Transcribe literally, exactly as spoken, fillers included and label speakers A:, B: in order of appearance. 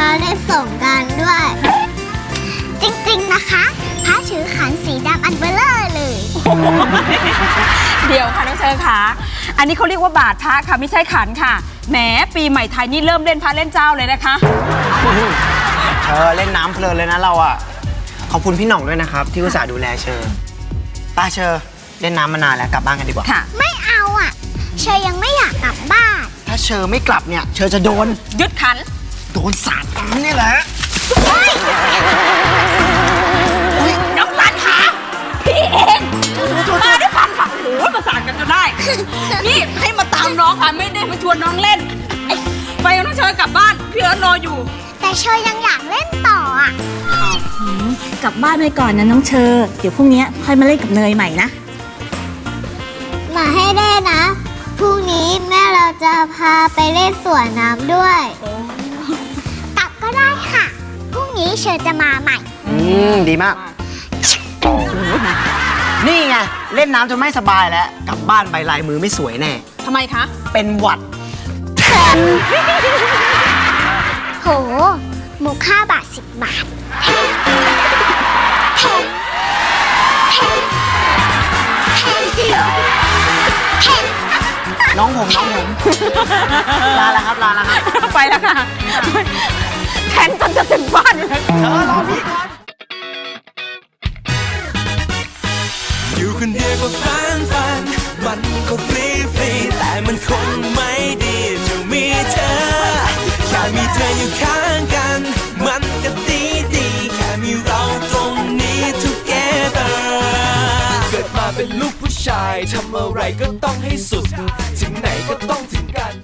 A: มาเล่นสงกรานต์ด้วย จริงๆนะคะพระถือขันสีดำอันเบลเลอร์เลย
B: เดี๋ยวค่ะน้องเชอค่ะอันนี้เขาเรียกว่าบาทพระค่ะไม่ใช่ขันค่ะแหมปีใหม่ไทยนี่เริ่มเล่นพระเล่นเจ้าเลยนะคะ
C: เชอเล่นน้ำเพลินเลยนะเราอ่ะขอบคุณพี่หน่องด้วยนะครับ ที่อุตส่าห์ดูแลเชอป้าเชอเล่นน้ำมานานแล้วกลับบ้านกันดีกว่า
B: ค่ะ
A: ไม่เอาอ่ะ เชยยังไม่อยากกลับบ้าน
C: ถ้าเชอไม่กลับเนี่ยเชอจะโดน
B: ยึดขัน
C: โดนสาดน้ำนี่แหละ
B: น้องสันค่ะพี่เองมาด้วยความขับโอ้โหประสานกันจนได้ นี่ให้มาตามน้องค่ะไม่ได้มาชวนน้องเล่นไอ้ไปกับน้องเชอกลับบ้านพี่เอิร์ธรออยู่
A: แต่เชยยังอยากเล่นต่ออ่ะ
D: กลับบ้านไปก่อนนะน้องเชอร์เดี๋ยวพรุ่งนี้ค่อยมาเล่นกับเนยใหม่นะ
A: มาให้ได้นะ พรุ่งนี้แม่เราจะพาไปเล่นสวนน้ำด้วย กลับก็ได้ค่ะ พรุ่งนี้เชยจะมาใหม่
C: อืมดีมาก นี่ไงเล่นน้ำจนไม่สบายแล้วกลับบ้านไปลายมือไม่สวยแน่
B: ทำไมคะ
C: เป็นหวัด
A: โห หมูค่าบาทสิบบาท
C: น้องผมน้องผม ลาแล้วครับลาแล้วครับ
B: ไปแล้วค่ะแทนจนจะถึงบ้านเลย
C: เชอรอพี่ก่อน
E: อยู่คนเดียวก็ฟันฟันมันก็ฟรีฟรีแต่มันคงไม่ดีจะมีเธอแค่มีเธออยู่ข้างกันมันก็ดีดีแค่มีเราตรงนี้ together เกิดมาเป็นลูกผู้ชายทำอะไรก็ต้องให้สุดถึงไหนก็ต้องถึงกัน